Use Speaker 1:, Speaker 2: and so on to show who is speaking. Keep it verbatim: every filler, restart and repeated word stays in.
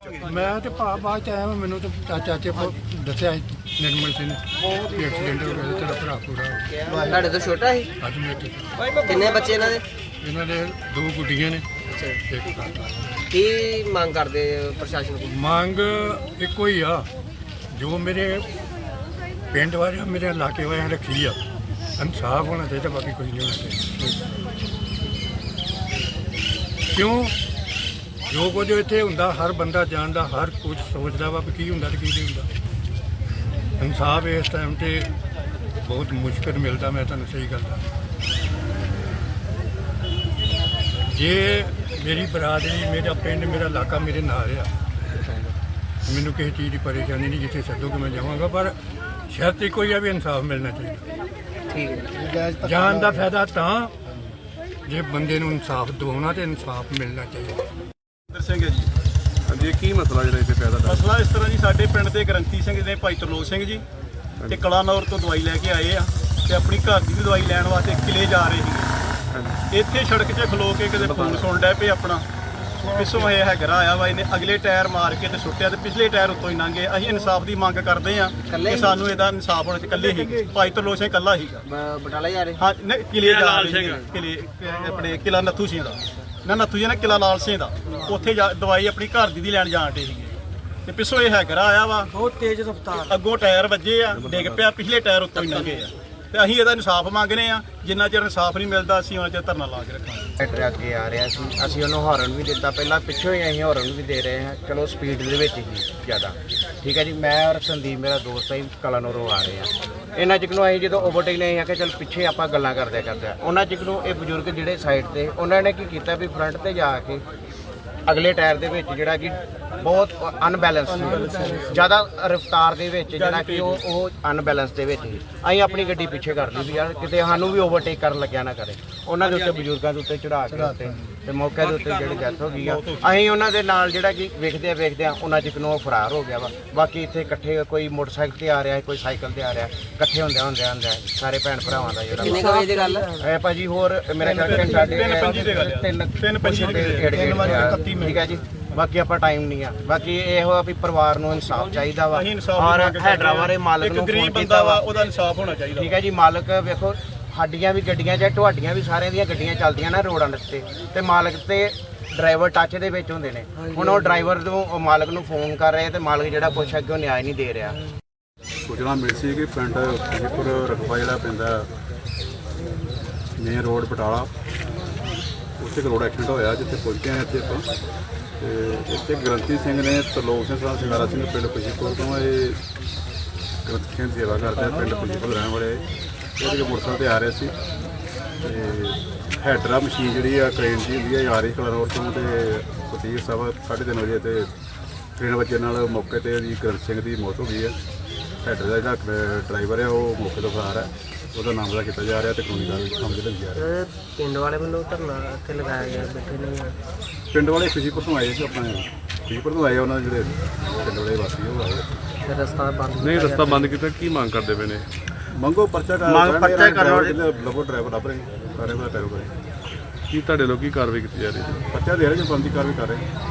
Speaker 1: मैं तो भा बाद च आया मैनू तो चाचे को दसिया निर्मल सिंह ने भी एक्सीडेंट हो गया तेरा भरा पूरा हो ਗਿਆ।
Speaker 2: ਤੁਹਾਡੇ ਤੋਂ ਛੋਟਾ ਸੀ?
Speaker 1: ਅੱਜ ਮੇਰੇ
Speaker 2: ਕਿੰਨੇ ਬੱਚੇ ਇਹਨਾਂ ਦੇ?
Speaker 1: ਇਹਨਾਂ ਦੇ ਦੋ ਗੁੱਡੀਆਂ ਨੇ
Speaker 2: ਅੱਛਾ ਜੀ।
Speaker 1: ਇੱਕ ਕਾਕਾ।
Speaker 2: ਕੀ ਮੰਗ ਕਰਦੇ ਪ੍ਰਸ਼ਾਸਨ ਕੋਲ?
Speaker 1: ਮੰਗ ਇੱਕੋ ਹੀ ਆ ਜੋ ਮੇਰੇ ਪਿੰਡ ਵਾਲਿਆਂ ਮੇਰੇ ਇਲਾਕੇ ਵਾਲਿਆਂ ਰੱਖੀ ਆ ਇਨਸਾਫ ਹੋਣਾ ਚਾਹੀਦਾ ਬਾਕੀ ਕੁਝ ਨਹੀਂ ਹੋਣਾ ਚਾਹੀਦਾ। ਕਿਉਂ ਜੋ ਕੁਝ ਇੱਥੇ ਹੁੰਦਾ ਹਰ ਬੰਦਾ ਜਾਣਦਾ ਹਰ ਕੁਝ ਸੋਚਦਾ ਵਾ ਵੀ ਕੀ ਹੁੰਦਾ ਤੇ ਕੀ ਨਹੀਂ ਹੁੰਦਾ। ਇਨਸਾਫ ਇਸ ਟਾਈਮ ਤੇ ਬਹੁਤ ਮੁਸ਼ਕਲ ਮਿਲਦਾ ਮੈਂ ਤੁਹਾਨੂੰ ਸਹੀ ਗੱਲ ਦੱਸਾਂ। ਜੇ ਮੇਰੀ ਬਰਾਦਰੀ ਮੇਰਾ ਪਿੰਡ ਮੇਰਾ ਇਲਾਕਾ ਮੇਰੇ ਨਾਲ ਆ ਮੈਨੂੰ ਕਿਸੇ ਚੀਜ਼ ਦੀ ਪਰੇਸ਼ਾਨੀ ਨਹੀਂ ਜਿੱਥੇ ਛੱਡੋਗੇ ਮੈਂ ਜਾਵਾਂਗਾ ਪਰ ਸ਼ਰਤ ਇੱਕੋ ਹੀ ਆ ਵੀ ਇਨਸਾਫ ਮਿਲਣਾ ਚਾਹੀਦਾ।
Speaker 2: ਠੀਕ ਹੈ।
Speaker 1: ਜਾਨ ਦਾ ਫਾਇਦਾ ਤਾਂ ਜੇ ਬੰਦੇ ਨੂੰ ਇਨਸਾਫ ਦਿਵਾਉਣਾ ਤੇ ਇਨਸਾਫ ਮਿਲਣਾ ਚਾਹੀਦਾ।
Speaker 3: ਸਿੰਘ ਹੈ ਜੀ।
Speaker 4: ਹਾਂਜੀ, ਕੀ ਮਸਲਾ ਜਿਹੜਾ ਇੱਥੇ ਪੈਦਾ ਹੋਇਆ?
Speaker 3: ਮਸਲਾ ਇਸ ਤਰ੍ਹਾਂ ਜੀ, ਸਾਡੇ ਪਿੰਡ ਦੇ ਗ੍ਰੰਥੀ ਸਿੰਘ ਨੇ ਭਾਈ ਤਰਲੋਕ ਸਿੰਘ ਜੀ ਤੇ ਕਲਾਨੌਰ ਤੋਂ ਦਵਾਈ ਲੈ ਕੇ ਆਏ ਆ ਤੇ ਆਪਣੀ ਘਰ ਦੀ ਵੀ ਦਵਾਈ ਲੈਣ ਵਾਸਤੇ ਕਿਲੇ ਜਾ ਰਹੇ ਸੀਗੇ। ਇੱਥੇ ਸੜਕ 'ਚ ਖਲੋ ਕੇ ਕਿਤੇ ਫੋਨ ਸੁਣ ਡਿਆ ਪਏ ਆਪਣਾ ਪਿੱਛੋਂ ਇਹ ਹੈਗਰਾ ਆਇਆ ਵਾ ਇਹਨੇ ਅਗਲੇ ਟਾਇਰ ਮਾਰ ਕੇ ਤੇ ਸੁੱਟਿਆ ਤੇ ਪਿਛਲੇ ਟਾਇਰ ਉੱਤੋਂ ਹੀ ਲੰਘੇ। ਅਸੀਂ ਇਨਸਾਫ ਦੀ ਮੰਗ ਕਰਦੇ ਆ ਕਿ ਸਾਨੂੰ ਇਹਦਾ ਇਨਸਾਫ ਹੋਣਾ ਚਾਹੀਦਾ। ਇਕੱਲੇ ਹੀ ਭਾਈ ਤਰਲੋਕ ਸਿੰਘ ਇਕੱਲਾ ਸੀਗਾ।
Speaker 2: ਬ- ਬਟਾਲਾ ਜਾ ਰਹੇ?
Speaker 3: ਹਾਂ ਨਹੀਂ, ਕਿਲੇ ਜਾ ਰਹੇ ਸੀਗੇ। ਕਿਲੇ ਆਪਣੇ ਕਿਲਾ ਨੱਥੂ ਸਿੰਘ ਦਾ ਨਾ ਨੱਥੂ ਜੀ ਨੇ ਕਿਲਾ ਲਾਲ ਸਿੰਘ ਦਾ ਉੱਥੇ ਜਾ ਦਵਾਈ ਆਪਣੀ ਘਰ ਦੀ ਦੀ ਲੈਣ ਜਾਣ ਡੇ ਸੀਗੇ ਤੇ ਪਿੱਛੋਂ ਇਹ ਹੈਗਰਾ ਆਇਆ ਵਾ ਬਹੁਤ ਤੇਜ਼ ਰਫ਼ਤਾਰ ਅੱਗੋਂ ਟਾਇਰ ਵੱਜੇ ਆ ਡਿੱਗ ਪਿਆ ਪਿਛਲੇ ਟਾਇਰ ਉੱਤੋਂ ਹੀ ਲੰਘੇ ਆ ਤੇ ਅਸੀਂ ਇਹਦਾ ਇਨਸਾਫ ਮੰਗਨੇ ਆ। ਜਿੰਨਾ ਚਿਰ ਇਨਸਾਫ ਨਹੀਂ ਮਿਲਦਾ ਅਸੀਂ ਉਹਨਾਂ ਚਿਰ ਧਰਨਾ ਲਾ ਕੇ ਰੱਖਾਂਗੇ।
Speaker 5: ਟਰੱਕ ਅੱਗੇ ਆ ਰਿਹਾ ਸੀ, ਅਸੀਂ ਉਹਨੂੰ ਹਾਰਨ ਵੀ ਦਿੱਤਾ ਪਹਿਲਾਂ, ਪਿੱਛੋਂ ਹੀ ਅਸੀਂ ਹਾਰਨ ਵੀ ਦੇ ਰਹੇ ਹਾਂ। ਚਲੋ ਸਪੀਡ ਦੇ ਵਿੱਚ ਹੀ ਜ਼ਿਆਦਾ ਠੀਕ ਹੈ ਜੀ। ਮੈਂ ਔਰ ਸੰਦੀਪ ਮੇਰਾ ਦੋਸਤ ਹੈ ਕਲਾਨੌਰੋਂ ਆ ਰਹੇ ਹਾਂ। ਇਹਨਾਂ ਚਿਕ ਨੂੰ ਅਸੀਂ ਜਦੋਂ ਓਵਰਟੇਕ ਨਹੀਂ ਆ ਕਿ ਚਲ ਪਿੱਛੇ ਆਪਾਂ ਗੱਲਾਂ ਕਰਦੇ ਕਰਦੇ ਉਹਨਾਂ ਚਿਕ ਨੂੰ ਇਹ ਬਜ਼ੁਰਗ ਜਿਹੜੇ ਸਾਈਡ ਤੇ ਉਹਨਾਂ ਨੇ ਕੀ ਕੀਤਾ ਵੀ ਫਰੰਟ ਤੇ ਜਾ ਕੇ ਅਗਲੇ ਟਾਇਰ ਦੇ ਵਿੱਚ ਜਿਹੜਾ ਕਿ ਬਹੁਤ ਅਨਬੈਲੈਂਸ ਸੀ, ਜ਼ਿਆਦਾ ਰਫ਼ਤਾਰ ਦੇ ਵਿੱਚ ਜਿਹੜਾ ਕਿ ਉਹ ਉਹ ਅਨਬੈਲੈਂਸ ਦੇ ਵਿੱਚ ਸੀ। ਅਸੀਂ ਆਪਣੀ ਗੱਡੀ ਪਿੱਛੇ ਕਰ ਲਈ ਵੀ ਯਾਰ ਕਿਤੇ ਸਾਨੂੰ ਵੀ ਓਵਰਟੇਕ ਕਰਨ ਲੱਗਿਆ ਨਾ ਕਰੇ। ਉਹਨਾਂ ਦੇ ਉੱਤੇ ਬਜ਼ੁਰਗਾਂ ਦੇ ਉੱਤੇ ਚੜਾ ਕੇ ਉੱਤੇ ਤੇ ਮੌਕੇ ਦੇ ਉੱਤੇ ਜਿਹੜੀ ਡੈਥ ਹੋ ਗਈ ਆ। ਅਸੀਂ ਉਹਨਾਂ ਦੇ ਨਾਲ ਜਿਹੜਾ ਕਿ ਵੇਖਦੇ ਆ ਵੇਖਦੇ ਆ ਉਹਨਾਂ ਚਿਕ ਨੂੰ ਉਹ ਫਰਾਰ ਹੋ ਗਿਆ ਵਾ। ਬਾਕੀ ਇੱਥੇ ਇਕੱਠੇ ਕੋਈ ਮੋਟਰਸਾਈਕਲ ਤੇ ਆ ਰਿਹਾ ਕੋਈ ਸਾਈਕਲ ਤੇ ਆ ਰਿਹਾ ਇਕੱਠੇ ਹੁੰਦੇ ਹੁੰਦੇ ਹੁੰਦੇ ਸਾਰੇ ਭੈਣ ਭਰਾਵਾਂ ਦਾ ਜਿਹੜਾ
Speaker 2: ਕਿੰਨੇ ਕੁ ਵਜੇ ਦੀ ਗੱਲ ਹੈ?
Speaker 5: ਇਹ ਭਾਜੀ ਹੋਰ ਮੇਰੇ ਖਿਆਲ ਕਿ ਸਾਡੇ
Speaker 3: ਤਿੰਨ ਪੰਜੀ ਦੇ ਗੱਲ ਆ।
Speaker 5: ਤਿੰਨ
Speaker 3: ਤਿੰਨ ਪੰਜੀ ਦੇ
Speaker 5: ਤਿੰਨ ਵਾਰੀ ਇਕੱਤੀ ਠੀਕ ਹੈ ਜੀ। ਬਾਕੀ ਆਪਾਂ ਟਾਈਮ ਨਹੀਂ ਆ। ਬਾਕੀ ਇਹੋ ਆ ਵੀ ਪਰਿਵਾਰ ਨੂੰ ਇਨਸਾਫ ਚਾਹੀਦਾ ਵਾ
Speaker 3: ਅਸੀਂ ਇਨਸਾਫ
Speaker 5: ਔਰ
Speaker 3: ਮੰਗ ਕਰਦੇ
Speaker 5: ਹੈਡਰਾ ਵਾਲੇ ਮਾਲਕ
Speaker 3: ਇੱਕ
Speaker 5: ਨੂੰ
Speaker 3: ਗਰੀਬ
Speaker 5: ਫੋਨ
Speaker 3: ਬੰਦਾ
Speaker 5: ਕੀਤਾ
Speaker 3: ਵਾ
Speaker 5: ਵਾ
Speaker 3: ਉਹਦਾ ਇਨਸਾਫ ਹੋਣਾ ਚਾਹੀਦਾ।
Speaker 5: ਠੀਕ ਹੈ ਜੀ। ਮਾਲਕ ਵੇਖੋ ਸਾਡੀਆਂ ਵੀ ਗੱਡੀਆਂ ਜਾਂ ਤੁਹਾਡੀਆਂ ਵੀ ਸਾਰਿਆਂ ਦੀਆਂ ਗੱਡੀਆਂ ਚੱਲਦੀਆਂ ਨਾ ਰੋਡਾਂ ਦੇ ਉੱਤੇ ਤੇ ਮਾਲਕ ਤੇ ਡਰਾਈਵਰ ਟੱਚ ਦੇ ਵਿੱਚ ਹੁੰਦੇ ਨੇ। ਹੁਣ ਉਹ ਡਰਾਈਵਰ ਨੂੰ ਉਹ ਮਾਲਕ ਨੂੰ ਫੋਨ ਕਰ ਰਹੇ ਤੇ ਮਾਲਕ ਜਿਹੜਾ ਕੁਛ ਅੱਗੇ ਨਿਆਂ ਨਹੀਂ ਦੇ ਰਿਹਾ।
Speaker 4: ਸੂਚਨਾ ਮਿਲੀ ਸੀ ਕਿ ਪਿੰਡ ਖੁਸ਼ੀਪੁਰ ਰਕਬਾ ਜਿਹੜਾ ਪੈਂਦਾ ਮੇਨ ਰੋਡ ਬਟਾਲਾ ਉੱਥੇ ਇੱਕ ਰੋਡ ਐਕਸੀਡੈਂਟ ਹੋਇਆ ਜਿੱਥੇ ਪਹੁੰਚੇ ਹਾਂ ਇੱਥੇ ਆਪਾਂ ਤੇ ਇੱਥੇ ਗ੍ਰੰਥੀ ਸਿੰਘ ਨੇ ਤਰਲੋਕ ਸਿੰਘ ਸਾਹਿਬ ਸਿੰਘਾਰਾ ਸਿੰਘ ਪਿੰਡ ਖੁਸ਼ੀਪੁਰ ਤੋਂ ਇਹ ਗ੍ਰੰਥੀ ਸਿੰਘ ਦੀ ਸੇਵਾ ਕਰਦੇ ਆ ਪਿੰਡ ਖੁਸ਼ੀਪੁਰ ਰਹਿਣ ਵਾਲੇ ਉਹਦੇ ਮੋਟਰਸਾਈਕਲ ਤੇ ਆ ਰਹੇ ਸੀ ਤੇ ਹੈਡਰਾ ਮਸ਼ੀਨ ਜਿਹੜੀ ਆ ਟ੍ਰੇਨ ਦੀ ਹੁੰਦੀ ਆ ਆ ਰਹੀ ਕਲਾਨੌਰ ਤੋਂ ਤੇ ਫਤੀਹ ਸਾਹਿਬ ਸਾਢੇ ਤਿੰਨ ਵਜੇ ਤੇ ਟ੍ਰੇਨ ਵੱਜਣ ਨਾਲ ਮੌਕੇ ਤੇ ਜੀ ਗ੍ਰੰਥੀ ਸਿੰਘ ਦੀ ਮੌਤ ਹੋ ਗਈ ਹੈ। ਹੈਡਰ ਦਾ ਜਿਹੜਾ ਡਰਾਈਵਰ ਹੈ ਉਹ ਮੌਕੇ ਤੋਂ ਫਰਾਰ ਹੈ। ਉਹਦਾ ਨਾਮ ਦਾ ਕੀਤਾ ਜਾ ਰਿਹਾ ਤੇ ਕਾਨੂੰਨੀ ਕਾਰਵਾਈ ਸਮਝ ਲਈ ਜਾ ਰਹੀ ਹੈ।
Speaker 2: ਪਿੰਡ ਵਾਲੇ ਵੱਲੋਂ ਧਰਨਾ ਇੱਥੇ ਲਗਾਇਆ ਗਿਆ ਬੈਠੇ ਨੇ।
Speaker 4: ਪਿੰਡ ਵਾਲੇ ਖੁਸ਼ੀਪੁਰ ਤੋਂ ਆਏ ਸੀ ਆਪਣੇ ਖੁਸ਼ੀਪੁਰ ਤੋਂ ਆਏ ਉਹਨਾਂ ਦੇ ਜਿਹੜੇ ਪਿੰਡ ਵਾਲੇ ਵਾਸੀ ਉਹ ਆਏ।
Speaker 2: ਫਿਰ ਰਸਤਾ ਬੰਦ
Speaker 6: ਨਹੀਂ ਰਸਤਾ ਬੰਦ ਕੀਤਾ। ਕੀ ਮੰਗ ਕਰਦੇ ਪਏ ਨੇ?
Speaker 4: ਮੰਗੋ ਪਰਚਾ ਕਰ
Speaker 5: ਮੰਗ ਪਰਚਾ ਕਰੋ।
Speaker 4: ਲੱਭੋ ਡਰਾਈਵਰ ਲੱਭ ਰਹੇ ਸਾਰੇ ਕੋਲ ਟੈਰੋ ਕਰੇ
Speaker 6: ਕੀ ਤੁਹਾਡੇ ਲੋਕ ਕੀ ਕਾਰਵਾਈ ਕੀਤੀ ਜਾ ਰਹੀ ਹੈ?
Speaker 4: ਪਰਚਾ ਦੇ ਰਹੇ ਜੋ ਬੰਦੀ ਕਾਰਵਾਈ ਕਰ ਰਹੇ